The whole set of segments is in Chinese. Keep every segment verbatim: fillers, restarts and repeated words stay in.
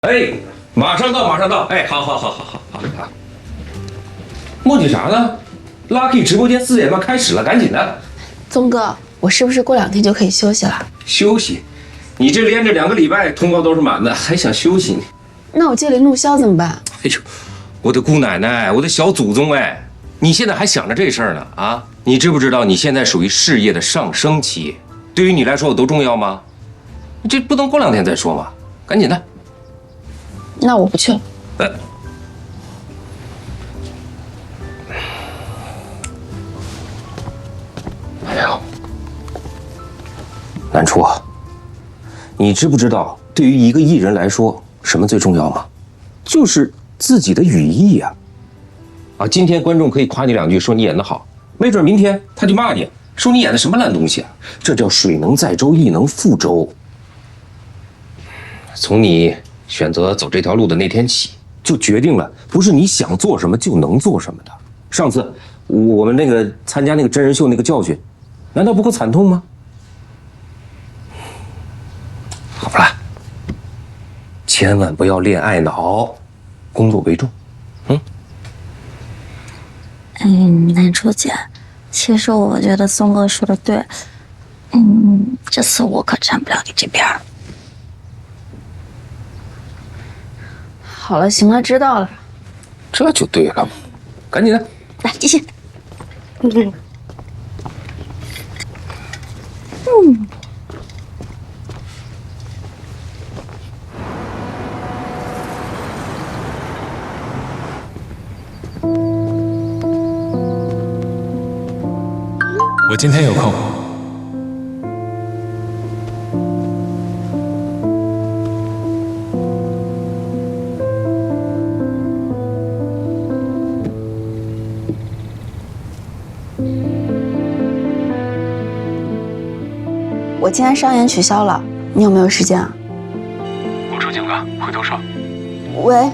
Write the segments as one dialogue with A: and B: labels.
A: 哎，马上到，马上到！哎，好好好好好好好。磨叽啥呢 ？Lucky 直播间四点半开始了，赶紧的。
B: 宗哥，我是不是过两天就可以休息了？
A: 休息？你这连着两个礼拜通告都是满的，还想休息呢？
B: 那我借灵怒消怎么办？
A: 哎呦，我的姑奶奶，我的小祖宗哎！你现在还想着这事儿呢啊？你知不知道你现在属于事业的上升期？对于你来说有多重要吗？你这不能过两天再说吗？赶紧的。
B: 那我不去了。呃，
A: 哎呦，南初啊，你知不知道，对于一个艺人来说，什么最重要吗？就是自己的羽翼呀！啊，今天观众可以夸你两句，说你演得好，没准明天他就骂你，说你演的什么烂东西啊！这叫水能载舟，亦能覆舟。从你选择走这条路的那天起，就决定了不是你想做什么就能做什么的。上次我们那个参加那个真人秀那个教训，难道不够惨痛吗？好不啦，千万不要恋爱脑，工作为重。嗯。
C: 嗯，南初姐，其实我觉得松哥说的对。嗯，这次我可站不了你这边。
B: 好了，行了，知道了。
A: 这就对了，赶紧的，
C: 来继续。嗯嗯。
D: 我今天有空。
B: 我今天商演取消了，你有没有时间啊？
D: 我出警了，回头说。
B: 喂。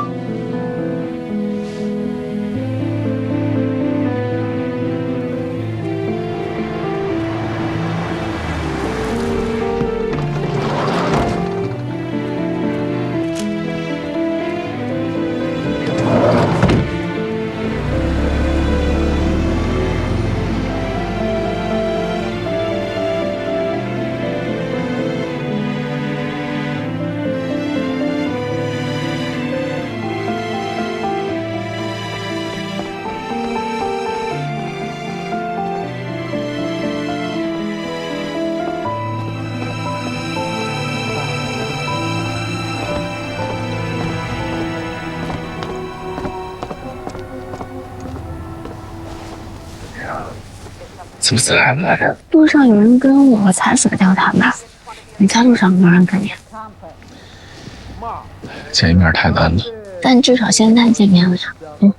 D: 怎么才来呀？
C: 路上有人跟我，才死掉他们。你在路上没有人跟你？
D: 见一面太难了，
C: 但至少现在见面了呀。嗯。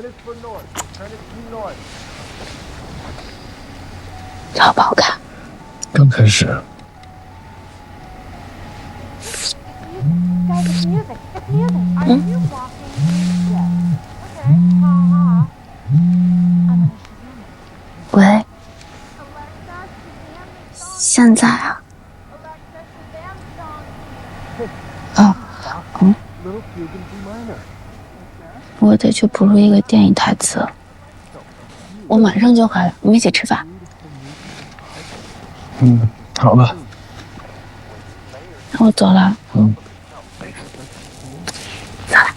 C: 好不好看？
D: 刚开始。
C: 嗯。喂。现在啊？哦，嗯，我得去补录一个电影台词，我马上就回来，我们一起吃饭。
D: 嗯，好吧。
C: 那我走了。
D: 嗯。
C: 走了。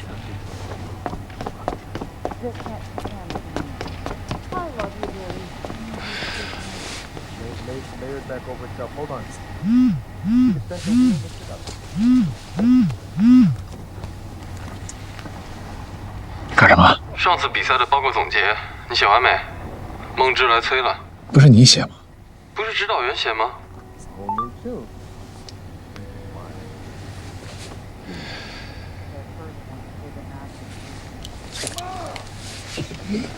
D: 干什么？
E: 上次比赛的报告总结，你写完没？梦之来催了。
D: 不是你写吗？
E: 不是指导员写吗？